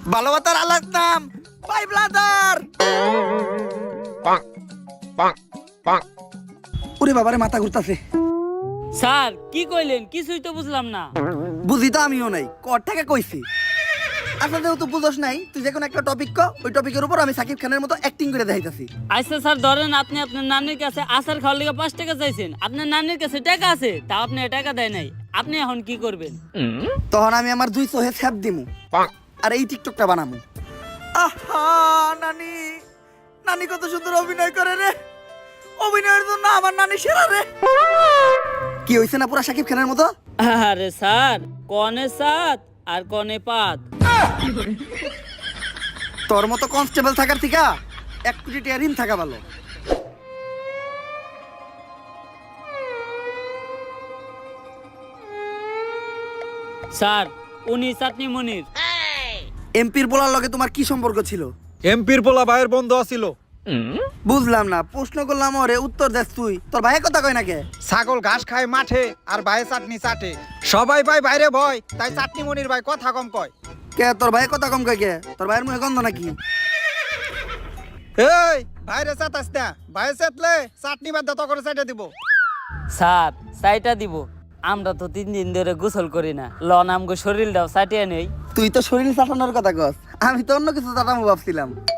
ভালোবাসার আলাদ নাম ভাই ব্রাদার। ওরে বাবারে মাথা ঘুরতাছে। স্যার কি কইলেন কিছুই তো বুঝলাম না। বুঝি তো আমিও নাই, কর থেকে কইছি। আচ্ছা যেহেতু বুঝোস নাই, তুই যে কোনো একটা টপিক ক, ওই টপিকের উপর আমি সাকিব খানের মতো অ্যাক্টিং করে দেখাইতাছি। আচ্ছা স্যার ধরেন আপনি আপনার নানির কাছে আচার খাওয়ার লেগে 5 টাকা চাইছেন, আপনার নানির কাছে টাকা আছে তা আপনি টাকা দেয় নাই, আপনি এখন কি করবেন? তখন আমি আমার 2 চোহে ছ্যাপ দিমু আর এই টিকটকটা বানামু। আহা নানি, নানি কত সুন্দর অভিনয় করে রে, অভিনয়ের জন্য আমার নানি সেরা রে। কি হইছে না পুরা সাকিব খানের মতো? আরে স্যার কনে সাত আর কনে পাত। তোর মতো কনস্টেবল থাকার থেকে 1 কোটি টাকা ঋণ থাকা ভালো। স্যার উনি চাটনি মনির। এমপির বলার লগে তোমার কি সম্পর্ক ছিল? এমপির পোলা ভাইয়ের বন্ধু আছিল। বুঝলাম না, প্রশ্ন করলাম ওরে উত্তর দেস তুই। তোর ভাই কথা কয় না কে? ছাগল ঘাস খায় মাঠে আর ভাই চাটনি চাটে। সবাই ভাই বাইরে ভয়, তাই চাটনি মনির ভাই কথা কম কয়। কে তোর ভাই কথা কম কয় কে? তোর ভাইয়ের মুখে গন্ধ নাকি? এই ভাইরে চাটাস না, ভাই চাটলে চাটনি বাদ দত করে চাইটা দিব। স্যার চাইটা দিব, আমরা তো 3 দিন ধরে গোসল করি না, লন আমগো শরীরটাও চাটিয়ে নেই। তুই তো শরীর চাটানোর কথা কস, আমি তো অন্য কিছু চাটামো ভাবছিলাম।